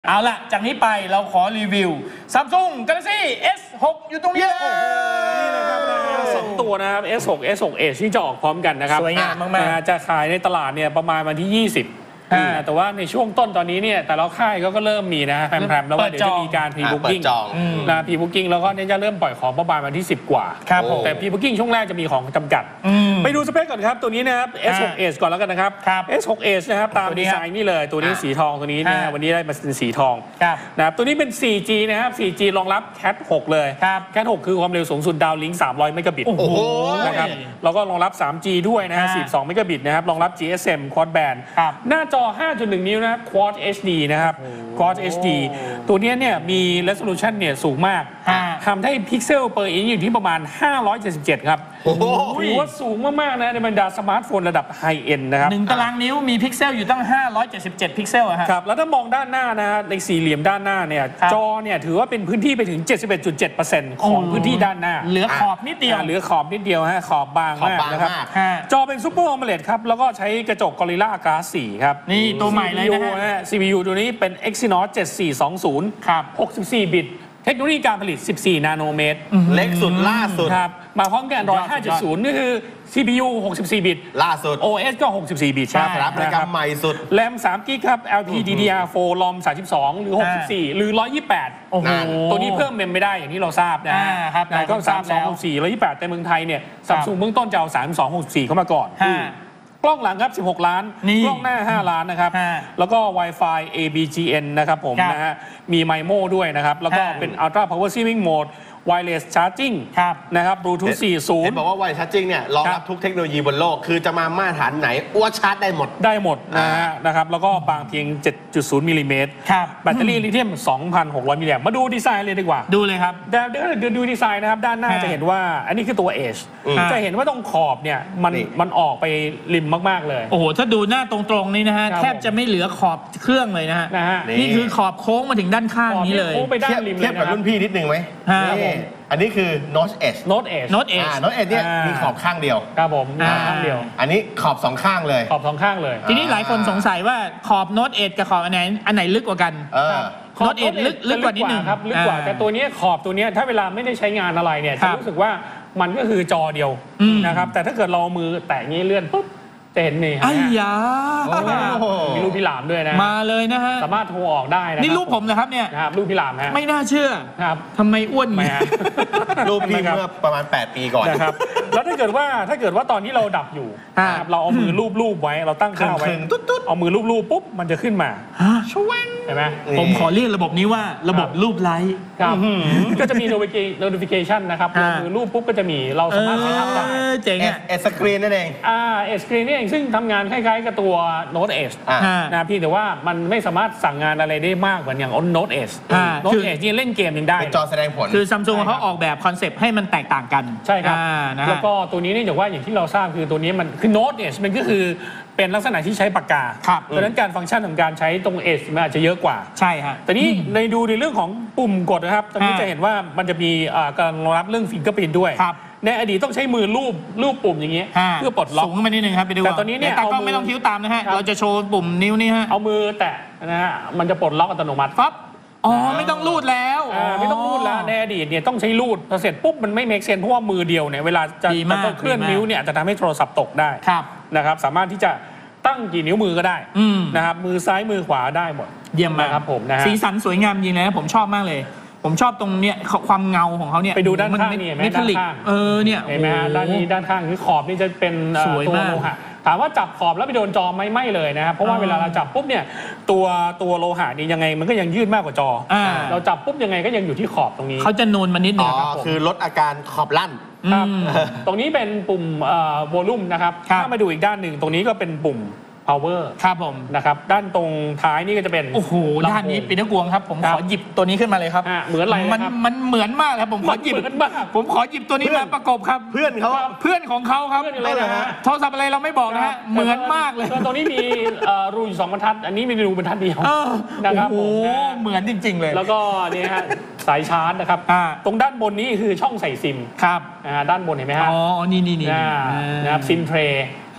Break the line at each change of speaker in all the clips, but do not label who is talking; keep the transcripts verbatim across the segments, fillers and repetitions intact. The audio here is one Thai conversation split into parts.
เอาล่ะจากนี้ไปเราขอรีวิว Samsung Galaxy เอส หก อยู่ตรงนี้โอ้โห
นี่เลยครับสองตัวนะครับ เอส หก เอส หก Edge ที่จะออกพร้อมกันนะครับ
สวยงามมาก
ๆจะขายในตลาดเนี่ยประมาณวันที่ยี่สิบแต่ว่าในช่วงต้นตอนนี้เนี่ยแต่ละค่ายก็เริ่มมีนะแพรมๆแล้วว่าเดี๋ยวจะมีการพรีบุ๊กิ้งนะพรีบุ๊กิ้งแล้วก็เนี่ยจะเริ่มปล่อยของประมาณวันที่สิบกว่าแต่พรีบุ๊กิ้งช่วงแรกจะมีของจำกัดไปดูสเปคก่อนครับตัวนี้นะครับ เอส หก Edge ก่อนแล้วกันนะครับ เอส หก Edge นะครับตามดีไซน์นี่เลยตัวนี้สีทองตัวนี้นะวันนี้ได้มาเป็นสีทองนะครับตัวนี้เป็น โฟร์จี นะครับ โฟร์จี รองรับ แคท หก เลย แคท หก คือความเร็วสูงสุดดาวลิงก์สามร้อยเมกะบิตนะครับแล้วก็รองรับ ทรีจี ด้วยนะฮะสี่สิบสองเมกะบิตนะครับรองรับ จี เอส เอ็ม Quad Band หน้าจอ ห้าจุดหนึ่ง นิ้วนะ Quad เอช ดี นะครับ Quad เอช ดี ตัวนี้เนี่ยมี resolution เนี่ยสูงมากทำให้พิกเซล per inch อยู่ที่ประมาณห้าร้อยเจ็ดสิบเจ็ดครับถือว่าสูงมากๆนะในบรรดาสมาร์ทโฟนระดับไฮเอ็นนะครับ
หนึ่งตารางนิ้วมีพิกเซลอยู่ตั้งห้าร้อยเจ็ดสิบเจ็ดพิกเซลอะ
ครับแล้วถ้ามองด้านหน้านะฮะในสี่เหลี่ยมด้านหน้าเนี่ยจอเนี่ยถือว่าเป็นพื้นที่ไปถึง เจ็ดสิบเอ็ดจุดเจ็ดเปอร์เซ็นต์ ของพื้นที่ด้านหน้า
เหลือขอบนิดเดียว
เหลือขอบนิดเดียวฮะขอบบางมากนะครับจอเป็นซูเปอร์ AMOLED ครับแล้วก็ใช้กระจก Gorilla Glass โฟร์ครับ
นี่ตัวใหม่เลยนะฮะ
ซี พี ยู ตัวนี้เป็น Exynos เจ็ดสี่สองศูนย์
ครับ
หกสิบสี่บิตเทคโนโลยีการผลิตสิบสี่นาโนเมตร
เล็กสุดล่าสุด
ครับมาพร้อมกับ Android ห้าจุดศูนย์ นี่คือ ซี พี ยู หกสิบสี่บิต
ล่าสุด
โอ เอส ก็หกสิบสี่บิต
ครับรับรายการใหม่สุด
แรมสามกิกครับ แอล พี ดี ดี อาร์ โฟร์ รอม สามสิบสอง หรือหกสิบสี่หรือหนึ่งร้อยยี่สิบแปด
โอ้โห
ตัวนี้เพิ่มเมมไม่ได้อย่างที่เราทราบนะ
ครับ
ก็สามสิบสอง หกสิบสี่ หนึ่งร้อยยี่สิบแปดแต่เมืองไทยเนี่ย Samsung เบื้องต้นจะเอาสามสิบสอง หกสิบสี่เข้ามาก่อนกล้องหลังครับสิบหกล้านกล้องหน้าห้าล้านนะครับแล้วก็ Wi-Fi เอ บี จี เอ็น นะครับผมนะฮะมีไมโมด้วยนะครับแล้วก็เป็น Ultra Power Saving Mode Wireless Charging นะครับ Bluetooth สี่สิบ
เห็นบอกว่า Wireless Charging เนี่ยรองรับทุกเทคโนโลยีบนโลกคือจะมามาตรฐานไหนอ้วชาร์จได้หมด
ได้หมดนะฮะนะครับแล้วก็บางเพียง เจ็ดจุดศูนย์ มิลลิเมตรแบตเตอรี่ลิเธียม สองพันหกร้อย มิลลิแอมป์มาดูดีไซน์เลยดีกว่า
ดูเลยครับ
เดี๋ยวดูดีไซน์นะครับด้านหน้าจะเห็นว่าอันนี้คือตัว Edge จะเห็นว่าตรงขอบเนี่ยมันมันออกไปริมมากๆเลย
โอ้โหถ้าดูหน้าตรงๆนี่นะฮะแทบจะไม่เหลือขอบเครื่องเลยนะฮะนี่คือขอบโค้งมาถึงด้านข้างนี้เลย
เทียบ
เทียบกับรุ่นพี่นิดนึงไหมอันนี้คือ Note Edge
Note Edge
Note Edge
Note Edge เนี่ยมีขอบข้างเดียว
ครับผมข้างเดียว
อันนี้ขอบสองข้างเลย
ขอบสองข้างเลย
ทีนี้หลายคนสงสัยว่าขอบ Note Edge กับขอบอันไหนอันไหนลึกกว่ากัน Note Edge ลึกลึกกว่านิดนึง
ครับลึกกว่าแต่ตัวนี้ขอบตัวนี้ถ้าเวลาไม่ได้ใช้งานอะไรเนี่ยจะรู้สึกว่ามันก็คือจอเดียวนะครับแต่ถ้าเกิดเรามือแตะงี้เลื่อนปุ๊บจะเห็นนี่
ไอ้ยา
มีรูปพี่หลามด้วยนะ
มาเลยนะฮะ
สามารถโทรออกได้นะ
นี่รูปผมนะครับเนี่ย
ครับรูปพี่หลามฮะ
ไม่น่าเชื่อ
ครับ
ทำไมอ้วนไหม
รูปพี่เมื่อประมาณแปดปีก่อน
นะครับแล้วถ้าเกิดว่าถ้าเกิดว่าตอนที่เราดับอยู่เราเอามือรูปๆไว้เราตั้งค่าไว้เอามือรูปๆปุ๊บมันจะขึ้นมา
ช่วย
เห็นไหม
ผมขอเรียกระบบนี้ว่าระบบรูปไลค์
ครับก็จะมี notification นะครับมือรูปปุ๊บก็จะมีเราสามารถใช้ทำได้
เจ๋งอ่ะ
เอสสกรีนนั่นเอง
อ่าเอสสกรีนนี่เองซึ่งทำงานคล้ายๆกับตัว Note Edge นะพี่แต่ว่ามันไม่สามารถสั่งงานอะไรได้มากเหมือนอย่าง Note Edge Note Edge นี่เล่นเกมยังได้
เป็นจอแสดงผล
คือ Samsung เขาออกแบบคอนเซปต์ให้มันแตกต่างกัน
ใช่ครับแล้วก็ตัวนี้เนี่ยอย่างว่าอย่างที่เราทราบคือตัวนี้มันคือ Note Edge มันก็คือเป็นลักษณะที่ใช้ปากกาเพราะฉะนั้นการฟังก์ชันของการใช้ตรง Edge มันอาจจะเยอะกว่า
ใช่ฮะ
แต่นี้ในดูในเรื่องของปุ่มกดนะครับตอนนี้จะเห็นว่ามันจะมีการรองรับเรื่อง Fingerprint ด้วยในอดีตต้องใช้มือลูบลูบปุ่มอย่างเงี้ยเพื่อปลดล็อก
สูงขึ้นมานิดนึงครับไปดู
แต่ตอนนี้เนี่ย
ก็ไม่ต้องคิ้วตามนะฮะเราจะโชว์ปุ่มนิ้วนี่ฮะ
เอามือแตะนะฮะมันจะปลดล็อกอัตโนมัติ
ปั๊บอ๋อไม่ต้องลูดแล้ว
ไม่ต้องลูดแล้วในอดีตเนี่ยต้องใช้ลูดพอเสร็จปุ๊บมันไม่เมคเซนเพราะว่ามือเดียวเนี่ยเวลาจะต้องเคลื่อนนิ้วเนี่ยจะทำให้โทรศัพท์ตกได้นะครับสามารถที่จะตั้งกี่นิ้วมือก็ได้นะครับมือซ้ายมือขวาได้หมด
เยี่ยมมาก
ครับผมนะฮะ
สีสันสวยงามจริงนะผมชอบมากเลยผมชอบตรงเนี้ยความเงาของเขาเนี่ย
ไปดูด้านข้างนี่เห็นไหมด้านข้าง
เออเนี่ย
เห็นไหมฮะด้านนี้ด้านข้างคือขอบนี่จะเป็นตัวโลหะถามว่าจับขอบแล้วไปโดนจอไหมไม่เลยนะครับเพราะว่าเวลาเราจับปุ๊บเนี่ยตัวตัวโลหะนี่ยังไงมันก็ยังยืดมากกว่าจอเราจับปุ๊บยังไงก็ยังอยู่ที่ขอบตรงนี้
เขาจะนูนมานิดนึง
ครับคือลดอาการขอบลั่น
ครับตรงนี้เป็นปุ่มโวลูมนะครับถ้ามาดูอีกด้านหนึ่งตรงนี้ก็เป็นปุ่มpower
ครับผม
นะครับด้านตรงท้ายนี่ก็จะเป็น
โอ้โหด้านนี้ปีนักกวงครับผมขอหยิบตัวนี้ขึ้นมาเลยครับ
เหมือนอะไร
มันมันเหมือนมากครับผมขอหยิบผมขอหยิบตัวนี้มาประกบครับ
เพื่อนเขา
เพื่อนของเขาครับโทรศัพท์อะไรเราไม่บอกนะฮะเหมือนมากเลย
ตรงนี้มีรูอยู่สองบรรทัดอันนี้มีรูบรรทัดเดียวนะครับ
โอ้เหมือนจริงๆเลย
แล้วก็นี่ฮะสายชาร์จนะครับตรงด้านบนนี้คือช่องใส่ซิม
ครับ
ด้านบนเห็นไหมฮะ
อ๋อนี่นี่นี่
นะครับซิมเทรย์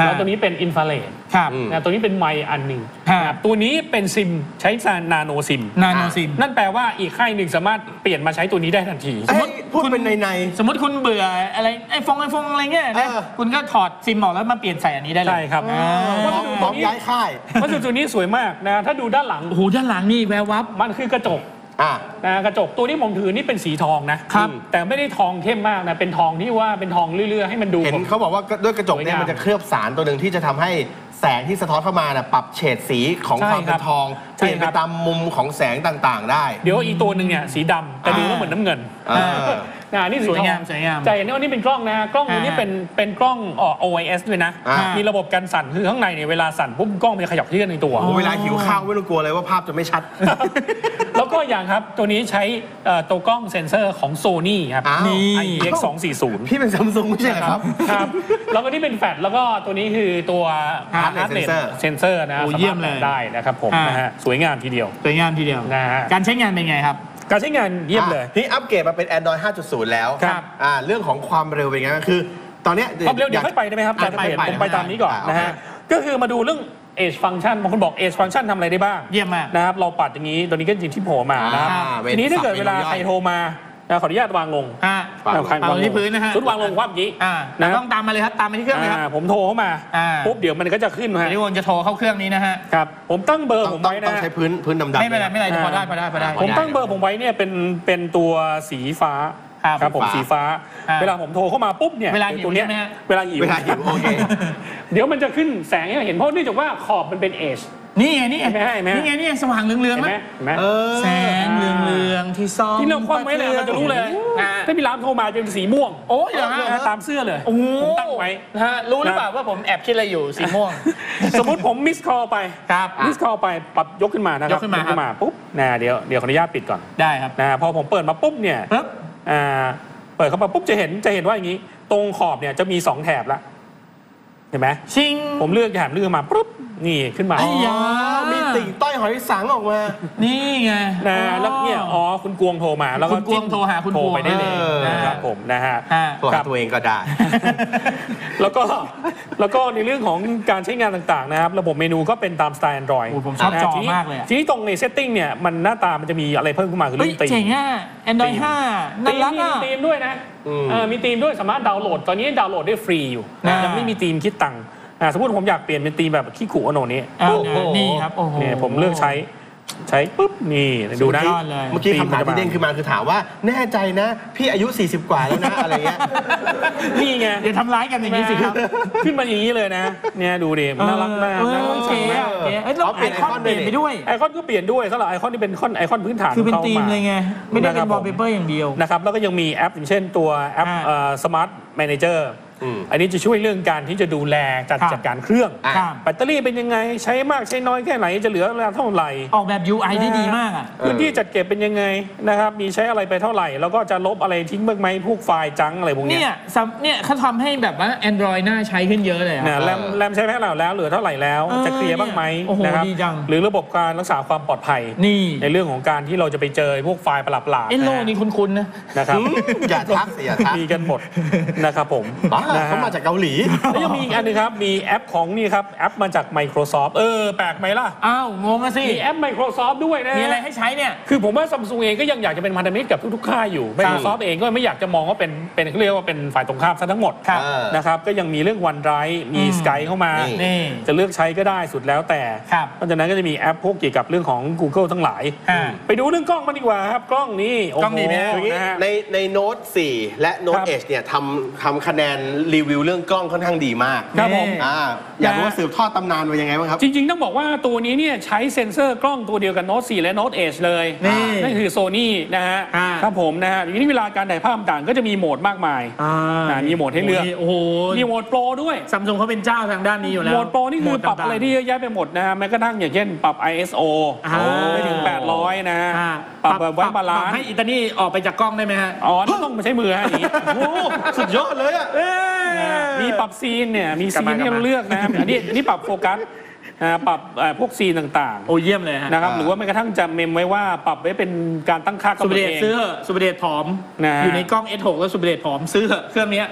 แล้วตัวนี้เป็นอินฟราเรด
ครับ
นะตัวนี้เป็นไมค์อันหนึ่งนะตัวนี้เป็นซิมใช้นาโนซิม
นาโนซิม
นั่นแปลว่าอีกค่ายหนึ่งสามารถเปลี่ยนมาใช้ตัวนี้ได้ทันที
สมมติพูดเป็นในใน
สมมติคุณเบื่ออะไรไอ้ฟงไอ้ฟงอะไรเงี้ยนะคุณก็ถอดซิมออกแล้วมาเปลี่ยนใส่อันนี้ได้เลย
ใช่ครับ
วัสดุพร้อมย้ายค่าย
วัสดุตัวนี้สวยมากนะถ้าดูด้านหลัง
โอ้โหด้านหลังนี่แวววับ
มันคือกระจกนะกระจกตัวนี้ผมถือนี่เป็นสีทองนะครับแต่ไม่ได้ทองเข้มมากนะเป็นทองที่ว่าเป็นทองเรื่อยๆให้มันดู
เห็นเขาบอกว่าด้วยกระจกเนี่ยมันจะเคลือบสารตัวหนึ่งที่จะทำให้แสงที่สะท้อนเข้ามาน่ะปรับเฉดสีของความเป็นทองเปลี่ยนไปตามมุมของแสงต่างๆได้
เดี๋ยวอีกตัวหนึ่งเนี่ยสีดำแต่ดูแล้วเหมือนน้ำเงินนะนี่
สวยงามสวยงาม
ใจเห็นว่านี่เป็นกล้องนะกล้องตัวนี้เป็นเป็นกล้อง โอ ไอ เอส ด้วยนะมีระบบกันสั่นคือข้างในเนี่ยเวลาสั่นปุ๊บกล้องมันจะขยับเคลื่อนในตัว
เวลาหิวข้าวไม่ต้องกลัวเลยว่าภาพจะไม่ชัด
แล้วก็อย่างครับตัวนี้ใช้ตัวกล้องเซ็นเซอร์ของ Sony ครับ
นี่
ไอ พี เอ็กซ์ สองสี่ศูนย์
พี่เป็น Samsung ไม่ใช่ครับ
ครับแล้วก็นี่เป็นแฟลชแล้วก็ตัวนี้คือตัว
Heart
Rate Sensor นะ
สามารถ
ได้นะครับผมนะฮะสวยงามทีเดียว
สวยงามทีเดียว
นะฮะ
การใช้งานเป็นไงครับ
การใช้งานเยี่ยมเลย
นี่อัปเกรดมาเป็น Android ห้าจุดศูนย์ แล้ว
ครับ
อ่าเรื่องของความเร็วเป็นไงก็คือตอนนี้
ความเร็วเดี๋ยวค่อยไปได้ไหมครับอาจารย์เปลี่ยนผมไปตามนี้ก่อนนะฮะก็คือมาดูเรื่อง Edge Function บางคนบอก Edge Function ทำอะไรได้บ้าง
เยี่ยมมาก
นะครับเราปัดอย่างนี้ตัวนี้ก็จริงที่โผล่มานะครับทีนี้ถ้าเกิดเวลาใครโทรมาขออนุญาตวางลง
เอาที่พื้นนะฮะ
ชุดวางลงว่าเมื่อกี้
นะต้องตามมาเลยครับตามมาที่เครื่องเลยครับ
ผมโทรเข้ามาปุ๊บเดี๋ยวมันก็จะขึ้นฮะ
นี่วนจะโทรเข้าเครื่องนี้นะฮะ
ครับผมตั้งเบอร์ผมไว้นะ
ต้องใช้พื้นพื้นดำๆ
ไม่เป็นไรไม่เป็นไรพอได้พอได้พอได้
ผมตั้งเบอร์ผมไว้เนี่ยเป็นเป็นตัวสีฟ้าครับผมสีฟ้าเวลาผมโทรเข้ามาปุ๊บเนี่ย
เวลาหิว
เนี่ยเวลาหิว
เวลาหิวโอเค
เดี๋ยวมันจะขึ้นแสงให้เห็นเพราะเนื่องจากว่าขอบมันเป็นเอช
นี่ไงนี่ไงนี่ไงนี่สว่างเหลืองๆไหมแสงเหลืองๆที่ซ่อม
ที่เราคว่ำไว้เลยเราจะรู้เลยถ้าพี่ร้านโทรมาจะเป็นสีม่วง
โอ้ยอย่าง
นั้นตามเสื้อเลยผมตั้งไว้
ฮะรู้หรือเปล่าว่าผมแอบคิดอะไรอยู่สีม่วง
สมมติผมมิสคอลไป
ครับ
มิสคอลไปปรับยกขึ้นมานะครับ
ยกขึ้นมา
ปุ๊บนะเดี๋ยวเดี๋ยวขออนุญาตปิดก่อน
ได้ครับ
นะพอผมเปิดมาปุ๊บเนี่ย
ปุ๊บ
อ่าเปิดเข้ามาปุ๊บจะเห็นจะเห็นว่าอย่างนี้ตรงขอบเนี่ยจะมีสองแถบละเห็นไหม
ชิง
ผมเลือกแถบเลือกมาปุ๊บนี่ขึ้นมา
อ๋อ
มีติ่งต้อยหอยสังออกมา
นี่ไง
นะแล้วเนี่ยอ๋อคุณกวงโทรมาแล้วก็
คุณกวงโทรหาคุณ
โทรไปได้เลยนะครับผมนะฮะ
โทรหาตัวเองก็ได้
แล้วก็แล้วก็ในเรื่องของการใช้งานต่างๆนะครับระบบเมนูก็เป็นตามสไตล์ Android
ผมชอบจอมากเลย
ทีนี้ตรงในเซตติ้งเนี่ยมันหน้าตามันจะมีอะไรเพิ่มขึ้นมาคือเรื่องธีม
เจ๋งอ่ะ Android ห้าน่ารักอ่ะ
มีธีมด้วยนะมีธีมด้วยสามารถดาวน์โหลดตอนนี้ดาวน์โหลดได้ฟรีอยู่ยังไม่มีธีมคิดตังค์สมมติผมอยากเปลี่ยนเป็นธีมแบบขี้ขู่อโนนี้
นี่ครับโอ้โห
เนี่ยผมเลือกใช้ใช้ปุ๊บนี่ดูนะ
เมื่อกี้คำถามที่เด้งขึ้นมาคือถามว่าแน่ใจนะพี่อายุสี่สิบกว่าแล้วนะอะไรเงี้ย
นี่ไง
เดี๋ยวทำร้ายกันอย่างนี้สิครับ
ขึ้นมาอย่างนี้เลยนะเนี่ยดูดิน่ารักมากน่ารัก
เก๋เราเปลี่ยนไอคอนเปลี่ยนไปด้วย
ไอคอนก็เปลี่ยนด้วยสำหรับไอคอนที่เป็นไอคอนพื้นฐาน
คือเป็นธีมเลยไงไม่ได้เป็นวอลเปเปอร์อย่างเดียว
นะครับแล้วก็ยังมีแอปอย่างเช่นตัวแอปสมาร์ทแมเนเจอร์อันนี้จะช่วยเรื่องการที่จะดูแลจัดจัดการเครื่องแบตเตอรี่เป็นยังไงใช้มากใช้น้อยแค่ไหนจะเหลือเวลาเท่าไหร่
ออกแบบ ยู ไอ ได้ดีมากอ่ะ
พื้นที่จัดเก็บเป็นยังไงนะครับมีใช้อะไรไปเท่าไหร่แล้วก็จะลบอะไรทิ้งบ้างไหมพวกไฟล์จังอะไรพวกนี้
เนี่ยเนี่ยเขาทำให้แบบว่า Android น่าใช้ขึ้นเยอะเลย
นะแรมแรมใช้แค่แล้วแล้วเหลือเท่าไหร่แล้วจะเคลียร์บ้างไหมนะครับหรือระบบการรักษาความปลอดภัย
นี่
ในเรื่องของการที่เราจะไปเจอพวกไฟล์ประหลาดๆ
เอโลนี่คุ้นๆนะ
นะครับ
อย่าทักอย่าทัก
มีกันหมดนะครับผม
เขามาจากเกาหลี
แล้วยังมีอีกอันนึงครับมีแอปของนี่ครับแอปมาจาก Microsoft เออแปลกไหมล่ะ
อ้าวงงอะสิ
มีแอป Microsoft ด้วยนะ
มีอะไรให้ใช้เนี่ย
คือผมว่า Samsung เองก็ยังอยากจะเป็นพันธมิตรกับทุกๆค่ายอยู่ Microsoft เองก็ไม่อยากจะมองว่าเป็นเป็นเรียกว่าเป็นฝ่ายตรงข้ามซะทั้งหมดนะครับก็ยังมีเรื่อง OneDrive มี Skype เข้ามาจะเลือกใช้ก็ได้สุดแล้วแต่เพราะฉะนั้นก็จะมีแอปพวกเกี่ยวกับเรื่องของ Google ทั้งหลายไปดูเรื่องกล้องมันดีกว่าครับกล้องนี่
กล้องนี้
นะในในโน้ตสี่และโน้ตเอชเนี่ยทำทำคะแนนรีวิวเรื่องกล้องค่อนข้างดีมาก
ครับผม
อยากรู้ว่าสืบทอดตำนานมายังไงบ้างครับ
จริงๆต้องบอกว่าตัวนี้เนี่ยใช้เซ็นเซอร์กล้องตัวเดียวกันโน้ตสี่และโน้ตเอชเลยนั่นคือ Sony นะฮะครับผมนะฮะทีนี้เวลาการถ่ายภาพต่างก็จะมีโหมดมากมายมีโหมดให้เลือก
โอ้โห
มีโหมดโปรด้วย
Samsung เขาเป็นเจ้าทางด้านนี้อยู่แล้ว
โหมดโปรนี่คือปรับอะไรที่เยอะแยะไปหมดนะฮะแม้กระทั่งอย่างเช่นปรับ ไอ เอส โอ ไปถึงแปดร้อยนะปรับแบบไว้บาลานซ์
ให้อิตาลีออกไปจากกล้องได้ไหมฮะ
อ๋อต้องมาใช้มือฮะนี้
โอ้สุดยอดเลยอ่ะ
มีปรับซีนเนี่ยมีซีนที่เราเลือกนะอันนี้อันนี้ปรับโฟกัสปรับพวกซีนต่างๆ
โอ้เยี่ยมเลยฮะ
นะครับหรือว่าแม้กระทั่งจะเมมไว้ว่าปรับไว้เป็นการตั้งค่ากำหนดเอง
สุบเดชซื้อสุบเดชผอมอยู่ในกล้อง เอส หก แล้วสุบเดชผอมซื้อเครื่องนี้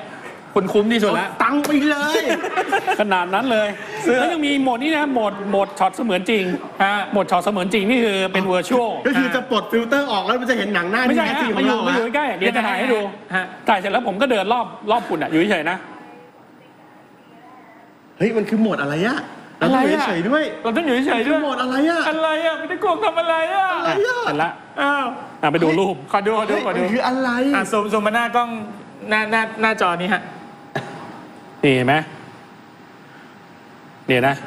คุณคุ้มที่สุดแล้ว
ตังค์ไปเลย
ขนาดนั้นเลยแล้วยังมีโหมดนี้นะโหมดโหมดช็อตเสมือนจริงโหมดช็อตเสมือนจริงนี่คือเป็นเวอร์ชวล
ก็คือจะปลดฟิลเตอร์ออกแล้วมันจะเห็นหนังหน้า
ไม่ใช่
ที่
ฮะมาอยู่มาอยู่ใกล้เดี๋ยวจะถ่ายให้ดูถ่ายเสร็จแล้วผมก็เดินรอบรอบคุณอ่ะอยู่เฉยๆนะ
เฮ้ยมันคือโหมดอะไรอะเราต้องอยู่เฉยด้วย
เราต้องอยู่เฉยๆด้วย
โหมดอะไรอะ
อะไรอะไม่ได้โกงทำอะไรอะ
อะไรอะ
เสร็จละ
อ้าว
ไปดูรูป
ขอดูขอดูขอดู
คืออะไร
อ่ะซูมซูมมาหน้ากล้องหน้าหน้าหน้าจอนี้ฮะ
นี่เห็นไหมเนี่ยนะ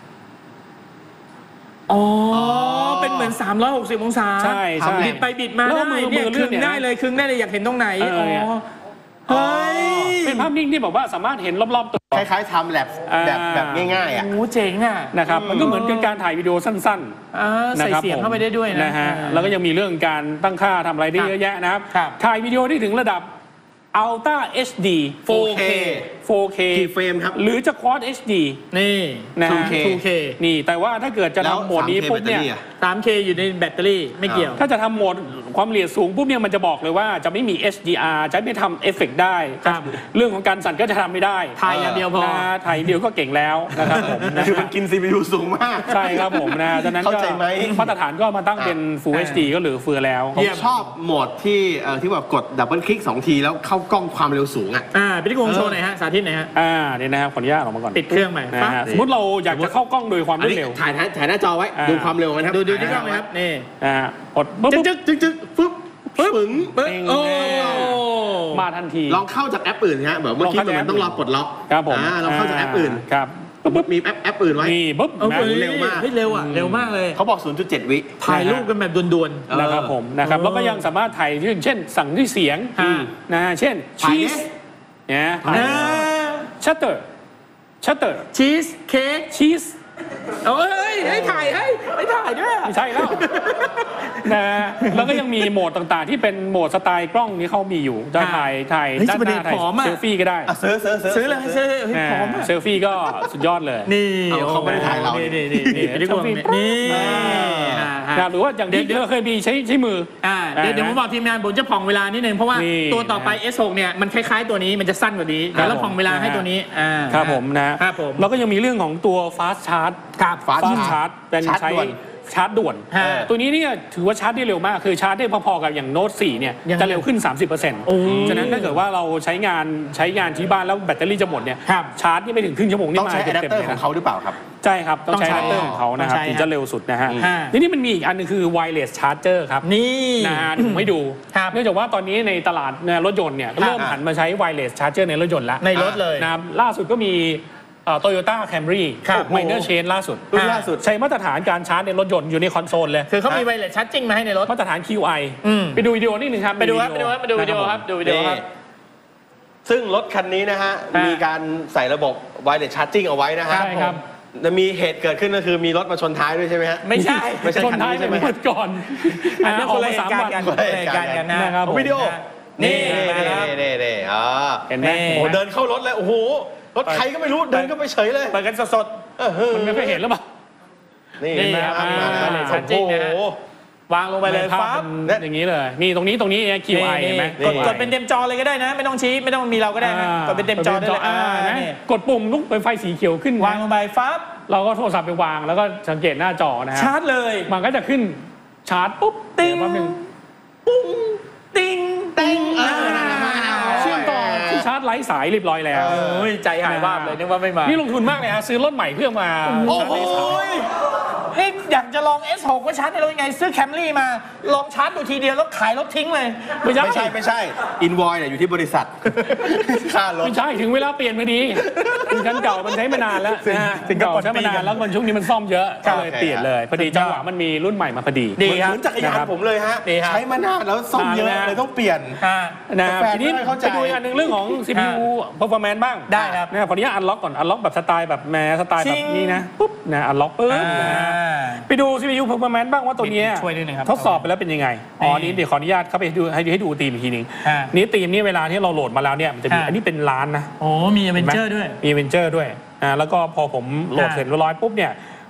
อ๋อเป็นเหมือนสามร้อยหกสิบองศา
ใช่ใช่
บิดไปบิดมาได้เนี่ยคึงได้เลยคึงได้เลยอยากเห็นตรงไหนอ๋อเฮ้ย
เป็นภาพนิ่งที่บอกว่าสามารถเห็นรอบๆตัว
คล้ายๆทำแลบแบบแบบง่ายๆอ่ะ
โอ้เจ๋งอ่ะ
นะครับมันก็เหมือนเป็นการถ่ายวิดีโอสั้น
ๆใส่เสียงเข้าไปได้ด้วย
นะฮะแล้วก็ยังมีเรื่องการตั้งค่าทำอะไรได้เยอะแยะนะครับถ่ายวิดีโอได้ถึงระดับ Ultra เอช ดี
โฟร์เค
โฟร์เค
กี่เฟรมครับ
หรือจะ Quad เอช ดี
นี่
นะ
ทู เค
ทู เค นี่แต่ว่าถ้าเกิดจะทำโหมดนี้ปุ๊บเนี่ย
สาม เค อยู่ในแบตเตอรี่ไม่เกี่ยว
ถ้าจะทำโหมดความละเอียดสูงปุ๊บเนี่ยมันจะบอกเลยว่าจะไม่มี เอช ดี อาร์ จะไม่ทำเอฟเฟกต์ได้เรื่องของการสั่นก็จะทำไม่ได้
ถ่ายอย่างเดียวพอ
ถ่ายเดียวก็เก่งแล้วนะครับผม
คือมันกิน ซี พี ยู สูงมาก
ใช่ครับผมนะดังนั้นก็มาตรฐานก็มาตั้งเป็น Full เอช ดี ก็เหลือเฟือแล้ว
ผมชอบโหมดที่ที่แบบกดดับเบิลคลิกสองทีแล้วเข้ากล้องความเร็วสูงอ่ะ
อ่าพี่กงโชว์หน่อยฮะสาธิตหน่อยฮะ
อ่าเนี่ยนะครับขออนุญาตออกมาก่อน
ปิดเครื่องใหม่
นะฮะสมมติเราอยากจะเข้ากล้องโดยความรวดเร็ว
ถ่ายถ่ายหน้าจอไว้ดูความเร็วนะครับ
ดูดูที่กล้องเลยครับนี่
อ่ากด
ปึ๊บจึ๊กจึ๊กจึ๊กปึ๊บปึ๊บปึ๋ง
โอ้มาทันที
ลองเข้าจากแอปอื่นฮะแบบเมื่อกี้มันต้องรอปลดล็อก
ครับผม
อ่าเราเข้าจากแอปอื่น
ครับ
ปุ๊บมีแอปแอปอื่นไว้
นี่ปุ๊บ
เร็วมากเร็วอ่ะเร็วมากเลย
เขาบอก ศูนย์จุดเจ็ด วิ
ถ่ายรูปกันแบบด่วน
ๆนะครับผมนะครับแล้วก็ยังสามารถถ่ายเช่นสั่งด้วยเสียงนะเช่นชีสเนี่ยชัตเตอร์ชัตเตอร์
ชีสเค้ก
ชีส
เอ้ยให้ถ่ายให้ให้ถ่ายด้วย
ไม่ใช่แล้วนะแล้วก็ยังมีโหมดต่างๆที่เป็นโหมดสไตล์กล้องนี้เขามีอยู่จะถ่ายถ่ายด้านหน้าถ่ายเซลฟี่ก็ได้
ซื้อซื้อ
ซื้อเลยซื้อพร้อม
เซลฟี่ก็สุดยอดเลย
นี่
เขาไม่ได้ถ่ายเรา
นี่นี่นี่นี่นี่
หรือว่าอย่างที่เราเคยมีใช้ใช้มือ
อ่าเดี๋ยวเดี๋ยวผมบอกทีมงานผมจะผ่องเวลานิดนึงเพราะว่าตัวต่อไป เอส หก เนี่ยมันคล้ายๆตัวนี้มันจะสั้นกว่านี้แล้วผ่องเวลาให้ตัวนี้อ่า
ครับผมนะครับผมแล้วก็ยังมีเรื่องของตัว fast charge
ครับ
fast charge เป็นใช้ชาร์จด่วนตัวนี้เนี่ยถือว่าชาร์จได้เร็วมากคือชาร์จได้พอๆกับอย่างโน้ตสี่เนี่ยจะเร็วขึ้น สามสิบเปอร์เซ็นต์ ฉะนั้นถ้าเกิดว่าเราใช้งานใช้งานที่บ้านแล้วแบตเตอรี่จะหมดเนี่ยชาร์จนี่ไม่ถึงครึ่งชั่วโมงนี่
มาเต็มๆเลยของเขาหรือเปล่าครับ
ใช่ครับต้องใช้อะแดปเตอร์ของเขานะครับถึงจะเร็วสุดนะฮะทีนี้มันมีอีกอันนึงคือ wireless charger ครับ
นี่
นะฮะผมให้ดูเนื่องจากว่าตอนนี้ในตลาดรถยนต์เนี่ยเริ่มหันมาใช้ wireless charger ในรถยนต์แล้ว
ในรถเลย
นะล่าสุดก็มีโตโยต้าแคมรี่ไมเนอร์เชนล่าสุด
ล่าสุด
ใช้มาตรฐานการชาร์จในรถยนต์อยู่ในคอนโซลเลย
คือเขามีไวเลสชาร์จจิ้งมาให้ในรถ
มาตรฐาน คิว ไอ ไปดูวิดีโอนิดนึงครับ
ไปดูครับไปดูครับไปดูวิดีโอครับดูวิดีโอครับ
ซึ่งรถคันนี้นะฮะมีการใส่ระบบไวเลสชาร์จจิ้งเอาไว้นะฮะ
ครับ
จะมีเหตุเกิดขึ้นก็คือมีรถมาชนท้ายด้วยใช่ไหมฮะ
ไม่ใช่
ไม่ใช่
ชนท้ายใช่ไหมก่อน
อันนั้นคนละเหตุการณ์กันคนละเหตุการณ์กันนะครับ
วิดีโอนี่นี่นี่อ๋อ
เห็นไหม
โอ้เดินเข้ารถเลยโอ้โหรถใครก็ไม่รู้เดินก็ไปเฉยเลย
เปิดกันสด
ๆมันไม่เคยเห็นหรือเปล่า
นี่
นะครับ
มาเลย
จริงนะวางลงไปเลยฟ้า
อย่างนี้เลยนี่ตรงนี้ตรงนี้ คิว ไอ เห็นไหม
กดกดเป็นเต็มจอเลยก็ได้นะไม่ต้องชี้ไม่ต้องมีเราก็ได้นะกดเป็นเต็มจอได้เลย
กดปุ่มลุกเป็นไฟสีเขียวขึ้น
วางลงไปฟ้า
เราก็โทรศัพท์ไปวางแล้วก็สังเกตหน้าจอนะฮะ
ชาร์จเลย
มันก็จะขึ้นชาร์จปุ๊บ
ติ้งปุ้งติ้งติ้ง
เชื่อมต่อที่ชาร์จไร้สายเรียบร้อยแล้ว
ใจหายบ้าเลยนึกว่าไม่มา
นี่ลงทุนมากเลยฮะซื้อรถใหม่เพื่อมา
โอ้โหนี่อยากจะลอง เอส หก ว่าชาร์จในรถยังไงซื้อแคมรี่มาลองชาร์จดูทีเดียวแล้วขายรถทิ้งเลย
ไม่ใช่ไม่ใช่ไม่ใช่อินวอยเนี่ยอยู่ที่บริษัทค่ารถ
ไม่ใช่ถึงเวลาเปลี่ยนพอดีคันเก่ามันใช้มานานแล้วคันเก่าใช้มานานแล้วมันช่วงนี้มันซ่อมเยอะก็เลยเปลี่ยนเลยพอดีจังหวะมันมีรุ่นใหม่มาพอดี
เหมือนจักรยานผมเลยฮะใช้มานานแล้วซ่อมเยอะเลยต้องเปลี่ยน
นะทีนี้ไปดูอีกอันหนึ่งเรื่องของ ซี พี ยู performance บ้าง
ได้ครับ
นะขออนุญาตอันล็อกก่อนอันล็อกแบบสไตล์แบบแมสไตล์แบบนี้นะปุ๊บนะอันล็อกปึ๊บไปดู ซี พี ยู performance บ้างว่าตัวนี้ทดสอบไปแล้วเป็นยังไงอ๋อนี้เดี๋ยวขออนุญาตเข้าไปดูให้ให้ดูธีมอีกทีนึงนี่ธีมนี้เวลาที่เราโหลดมาแล้วเนี่ยมันจะมีอันนี้เป็นล้านนะ
โอ้มีอเวนเจอร์ด้วย
มีอเวนเจอร์ด้วยอ่าแล้วก็พอผมโหลดเสร็จเรียบร้อยปุ๊บเนี่ย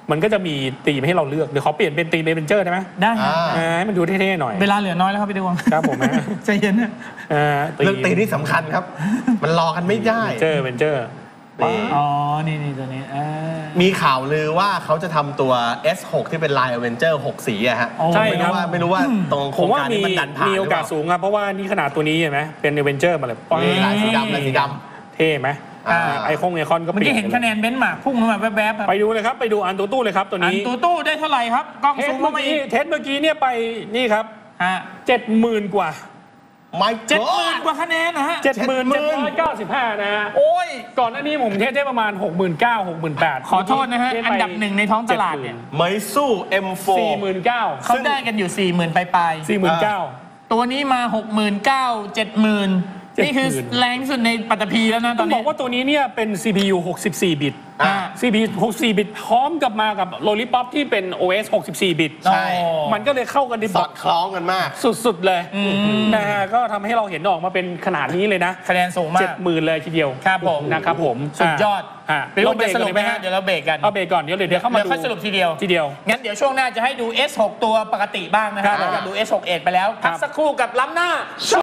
มันก็จะมีธีมให้เราเลือกเดี๋ยวขอเปลี่ยนเป็นธีมเอเวนเจอร์ได้ไหม
ได้ฮะ
อ่า
ให้มันดูเท่ๆหน่อย
เวลาเหลือน้อยแล้วครับพี่ดวง
ครับผมนะ
ใจเย็นนะ
อ่า
เรื่องตีนี่สำคัญครับ มันรอกันไม่ได้
เจอเอเวนเจอร์
นี่
อ๋อ นี่นี่ตัวนี้อ่า
มีข่าวลือว่าเขาจะทำตัว เอส หก ที่เป็นลายอเวนเจอร์หกสีอะฮะ
ใช่
ไม่
ครั
รู้
บ
ว่าไม่รู้ว่าตรงโค
ผ
ร
ม
ง
ว่า
การ
มี
นี้มันดันผ่าน
มีโอกาส
หรืเปล่
สูงครับเพราะว่านี่ขนาดตัวนี้เห็นไหมเป็นเอเวนเจอร์มาเลย
นี่ลายสีดำลายสีด
เท่ไหม
อ่า
ไอคงไอคอนก็
เมื่อกี้เห็นคะแนนเบนซ์มาร์คพุ่งขึ้นมาแวบๆครับ
ไปดูเลยครับไปดูอันตัวตู้เลยครับตัว
อัน
นี้
ตู้ตู้ได้เท่าไหร่ครับ กล้อง
เท
ซู
ส
ม
เมื่
เข้า
อ
มา
กี้
อีก
เทสเมื่อกี้เนี่ยไปนี่ครับ
ฮะ
เจ็ดหมื่นกว่า
ไม่
เจ็ดหมื่นกว่าคะแนนนะฮะ
เจ็ดหมื่นเจ็ดร้อยเก้าสิบห้านะฮะ
โอ้ย
ก่อนหน้านี้ผมเทสได้ประมาณหกหมื่นเก้าหกหมื่นแปด
ขอโทษนะฮะ อันดับหนึ่งในท้องตลาดเนี่ย
ไมซู เอ็ม โฟร์
สี่หมื่นเก้า
เขาได้กันอยู่ สี่หมื่นปลาย
สี่หมื่นเก้า
ๆตัวนี้มา หกหมื่นเก้าพัน เจ็ดหมื่น นี่คือแรงที่สุดในปัตตภีแล้วนะต
ต้
อ
อน งบ
นี้
อกว่าตัวนี้เนี่ยเป็น ซี พี ยู หกสิบสี่ บิต
อ่า
ซี พี ยู หกสิบสี่ บิตพร้อมกับมากับ Lollipop ที่เป็น โอ เอส หกสิบสี่ บิต
ใช่
มันก็เลยเข้ากันใน
ส
บ
อ
อ
ด
ท
คล้องกันมาก
สุดๆเลยนะฮะก็ทำให้เราเห็นออกมาเป็นขนาดนี้เลยนะคะ
แนนสูงมา
เจ็
ก
ดหมื่นเลยทีเดียว
ครับผม
นะครับผม
สุดยอด
อ่ะ
ไปดูจะสรุปไหมฮะ เดี๋ยวเราเบรกกัน
เอาเบรกก่อนเดี๋ยวเดี๋ยวเข้ามา
เดี๋ยว
ดู
ค่อยสรุปทีเดียว
ทีเดียว
งั้นเดี๋ยวช่วงหน้าจะให้ดู เอส หก ตัวปกติบ้างนะครับ
ครับ
หลังจากดู เอส หก เอดไปแล้ว พักสักครู่กับล้ำหน้า